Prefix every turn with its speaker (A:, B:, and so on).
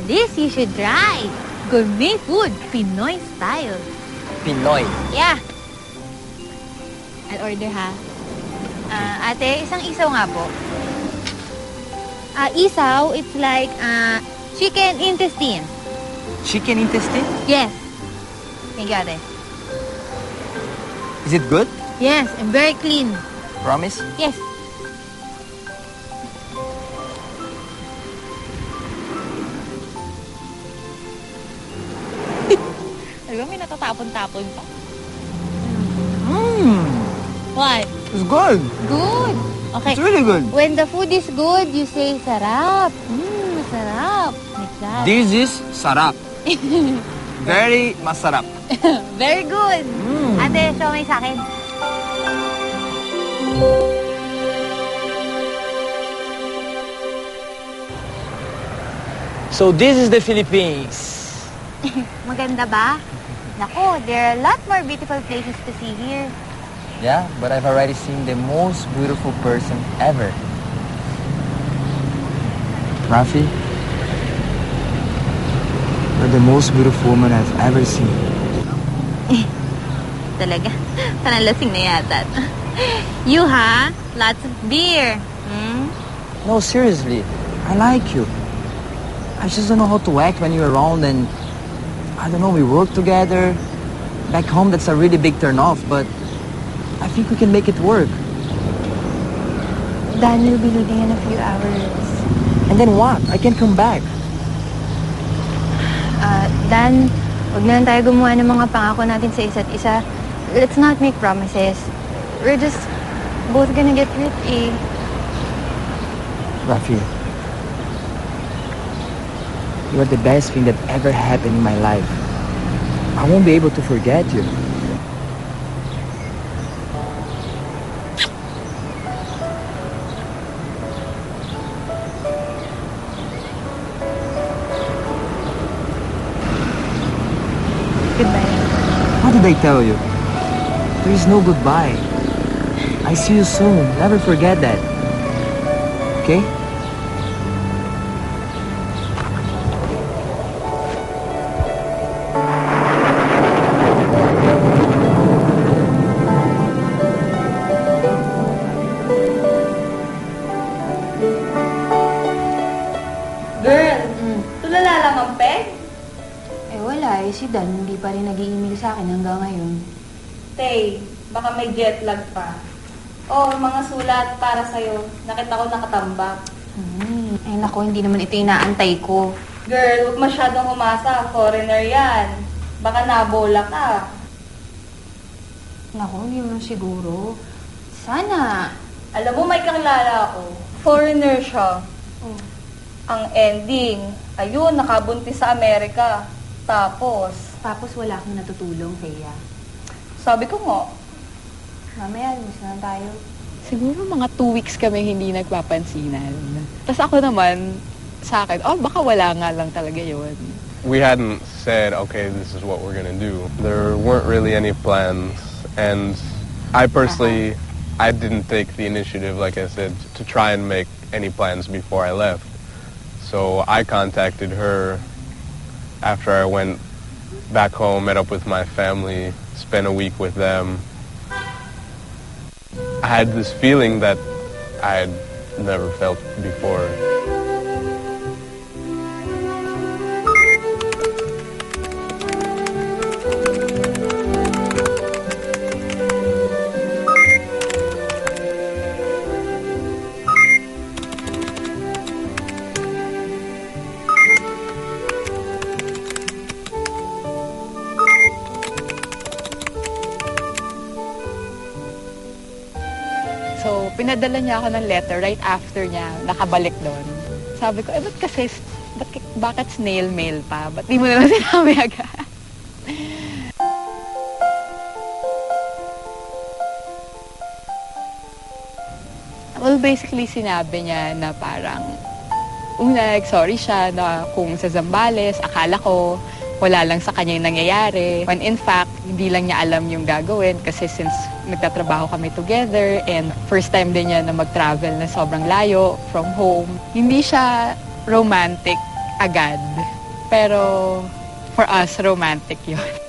A: This you should try. Gourmet food, Pinoy style.
B: Pinoy?
A: Yeah. I'll order, ha? Ate, isang isaw nga po. Isaw, it's like chicken intestine.
B: Chicken intestine?
A: Yes. Thank you, ate.
B: Is it good?
A: Yes, and very clean.
B: Promise?
A: Yes. Alam mo, may natatapon-tapon pa. What?
B: It's good.
A: Good. Okay.
B: It's really good.
A: When the food is good, you say sarap. Masarap. Like that.
B: This is sarap. Very masarap.
A: Very good. Ate, show me sa akin.
B: So this is the Philippines.
A: Maganda ba? Nako, there are a lot more beautiful places to see here.
B: Yeah, but I've already seen the most beautiful person ever. Rafi, you're the most beautiful woman I've ever seen.
A: Talaga, panalasing na yata. You, ha? Lots of beer.
B: No, seriously, I like you. I just don't know how to act when you're around, and I don't know, we work together. Back home, that's a really big turn-off, but I think we can make it work.
C: Dan will be leaving in a few hours.
B: And then what? I can come back.
C: Dan, huwag na lang tayo gumawa ng mga pangako natin sa isa't isa. Let's not make promises. We're just both gonna get hurt, eh.
B: Rafi, you are the best thing that ever happened in my life. I won't be able to forget you.
C: Goodbye.
B: What did I tell you? There is no goodbye. I see you soon. Never forget that. Okay?
D: Girl, tulala lang ang peg?
C: Eh wala eh, si Dan hindi pa rin nag-i-email sa akin hanggang ngayon.
D: Tay, baka may jet lag pa. Oh, mga sulat para sa'yo. Nakita ko nakatambak.
C: Eh nako, hindi naman ito inaantay ko.
D: Girl, huwag masyadong umasa. Foreigner yan. Baka nabola ka.
C: Nako, hindi mo siguro. Sana.
D: Alam mo, may kakilala ako. Foreigner siya.
C: Oh.
D: Ang ending, ayun, nakabuntis sa Amerika.
C: Tapos wala akong natutulong, Thea.
D: Sabi ko nga,
C: Mamaya, lumis na lang tayo.
E: Siguro mga 2 weeks kami hindi nagpapansinan. Tapos ako naman, sa akin, baka wala nga lang talaga yun.
F: We hadn't said, okay, this is what we're gonna do. There weren't really any plans, and I personally, I didn't take the initiative, like I said, to try and make any plans before I left. So I contacted her after I went back home, met up with my family, spent a week with them. I had this feeling that I had never felt before.
E: So, pinadala niya ako ng letter right after niya nakabalik doon. Sabi ko, ba't kasi, bakit snail mail pa? Ba't di mo naman sinabi agad? Well, basically, sinabi niya na parang, sorry siya na kung sa Zambales, akala ko, wala lang sa kanya yung nangyayari. When in fact, hindi lang niya alam yung gagawin kasi since nagtatrabaho kami together and first time din niya na mag-travel na sobrang layo from home, hindi siya romantic agad. Pero for us, romantic yun.